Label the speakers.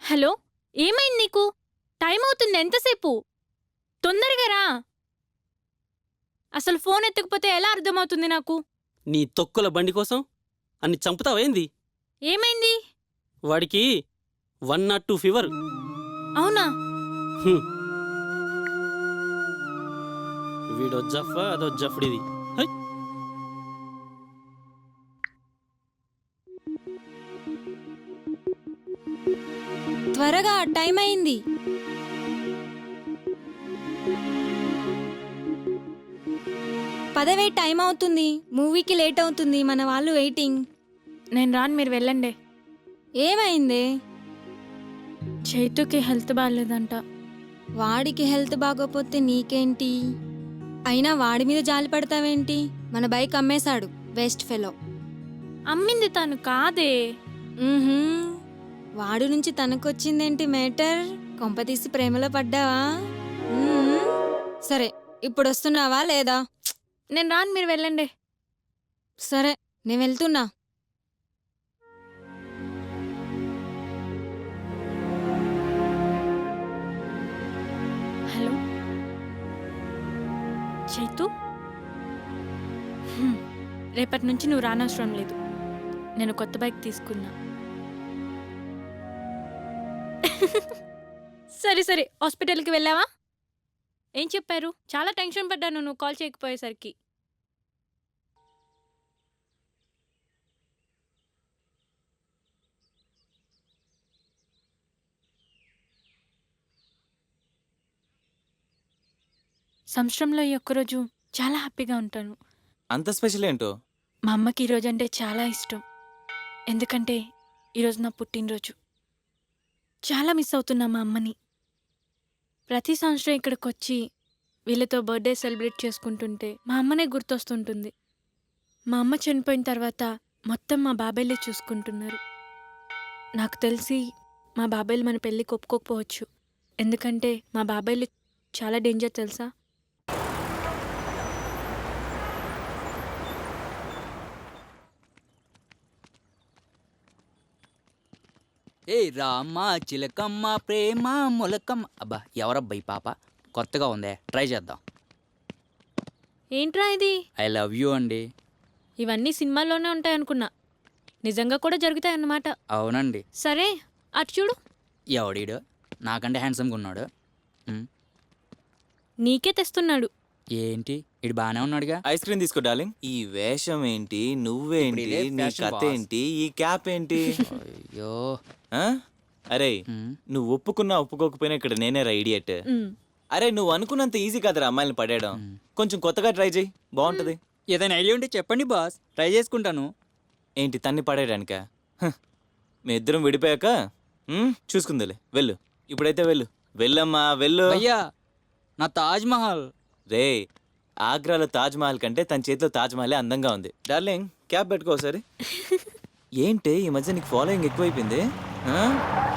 Speaker 1: Hello, ఏమైంది నీకు? Time అవుతుంది, ఎంతసేపు? తొందరగా రా. అసలు ఫోన్ ఎత్తకపోతే ఎలా అర్థమవుతుంది నాకు?
Speaker 2: నీ తొక్కుల బండి కోసం అన్ని చంపుతావేంది?
Speaker 1: ఏమైంది?
Speaker 2: వాడికి 102 ఫీవర్.
Speaker 1: అవునా?
Speaker 2: వీడో జఫా అదో జఫ్డిది. హై!
Speaker 1: త్వరగా, టైం అయింది.
Speaker 3: పదవే, టైం అవుతుంది. మూవీకి లేట్ అవుతుంది, మన వాళ్ళు వెయిటింగ్.
Speaker 1: నేను రాను, మీరు వెళ్ళండి.
Speaker 3: ఏమైంది?
Speaker 1: చైతుకి హెల్త్ బాగాలేదంట.
Speaker 3: వాడికి హెల్త్ బాగోపోతే నీకేంటి? అయినా వాడి మీద జాలి పడతావేంటి? మన బైక్ అమ్మేశాడు, వేస్ట్ ఫెలో.
Speaker 1: అమ్మింది తను కాదే.
Speaker 3: వాడు నుంచి తనకొచ్చిందేంటి మేటర్? కొంపతీసి ప్రేమలో పడ్డావా? సరే, ఇప్పుడు వస్తున్నావా లేదా?
Speaker 1: నేను రాను, మీరు వెళ్ళండి.
Speaker 3: సరే, నేను వెళ్తున్నా.
Speaker 1: హలో చైతు, రేపటి నుంచి నువ్వు రానవసరం లేదు. నేను కొత్త బైక్ తీసుకున్నా. సరే సరే, హాస్పిటల్కి వెళ్ళావా? ఏం చెప్పారు? చాలా టెన్షన్ పడ్డాను నువ్వు కాల్ చేయకపోయేసరికి. సంవత్సరంలో ఈ ఒక్కరోజు చాలా హ్యాపీగా ఉంటాను.
Speaker 4: అంత స్పెషల్ ఏంటో?
Speaker 1: మా అమ్మకి ఈరోజు అంటే చాలా ఇష్టం. ఎందుకంటే ఈరోజు నా పుట్టినరోజు. చాలా మిస్ అవుతున్నా మా అమ్మని. ప్రతి సంవత్సరం ఇక్కడికి వచ్చి వీళ్ళతో బర్త్డే సెలబ్రేట్ చేసుకుంటుంటే మా అమ్మనే గుర్తొస్తుంటుంది. మా అమ్మ చనిపోయిన తర్వాత మొత్తం మా బాబాయ్లే చూసుకుంటున్నారు. నాకు తెలిసి మా బాబాయ్లు మన పెళ్ళికి ఒప్పుకోకపోవచ్చు. ఎందుకంటే మా బాబాయ్లు చాలా డేంజర్ తెలుసా?
Speaker 5: ఏ రామ్మ చిలకమ్మ ప్రేమ మొలకమ్మ. అబ్బా, ఎవరబ్బా ఈ పాప? కొత్తగా ఉందే, ట్రై చేద్దాం.
Speaker 1: ఏంట్రా ఇది?
Speaker 5: ఐ లవ్ యూ అండి.
Speaker 1: ఇవన్నీ సినిమాల్లోనే ఉంటాయనుకున్నా, నిజంగా కూడా జరుగుతాయన్నమాట.
Speaker 5: అవునండి.
Speaker 1: సరే, అటు చూడు.
Speaker 5: ఎవడీడు? నాకంటే హ్యాండ్సమ్గా ఉన్నాడు.
Speaker 1: నీకే తెస్తున్నాడు.
Speaker 5: ఏంటి, ఇడు బాగానే ఉన్నాడుగా.
Speaker 4: ఐస్ క్రీమ్ తీసుకో డార్లింగ్. ఈ వేషం ఏంటి, నువ్వేంటి,
Speaker 5: ఇప్పుడు ఇదే
Speaker 4: నీ
Speaker 5: fashion
Speaker 4: కథ
Speaker 5: boss.
Speaker 4: ఏంటి, ఈ క్యాప్ ఏంటి?
Speaker 5: అయ్యో.
Speaker 4: ఆ? అరే,
Speaker 5: మ్.
Speaker 4: నువ్వు ఒప్పుకున్నా ఒప్పుకోకపోయినా ఇక్కడ నేనే రా ఇడియట్.
Speaker 1: ఉమ్.
Speaker 4: అరే, నువ్వు అనుకున్నంత ఈజీ కాదురా అమ్మాయిని పడేయడం. కొంచెం కొత్తగా ట్రై చేయి, బాగుంటది.
Speaker 5: ఏదైనా ఐడియా ఉంటే చెప్పండి బాస్, ట్రై చేసుకుంటాను.
Speaker 4: ఏంటి, తన్ని పడేయడానికా? మీ ఇద్దరం విడిపోయాక చూసుకుందిలే. వెళ్ళు, ఇప్పుడైతే వెళ్ళు. వెళ్ళమ్మా, వెళ్ళు.
Speaker 5: అయ్యా, నా తాజ్ మహల్.
Speaker 4: రే, ఆగ్రాలో తాజ్ మహల్ కంటే తన చేతిలో తాజ్ మహలే అందంగా ఉంది. డార్లింగ్, క్యాప్ పెట్టుకో ఒకసారి. ఏంటి ఈ మధ్య నీకు ఫాలోయింగ్ ఎక్కువైపోయింది?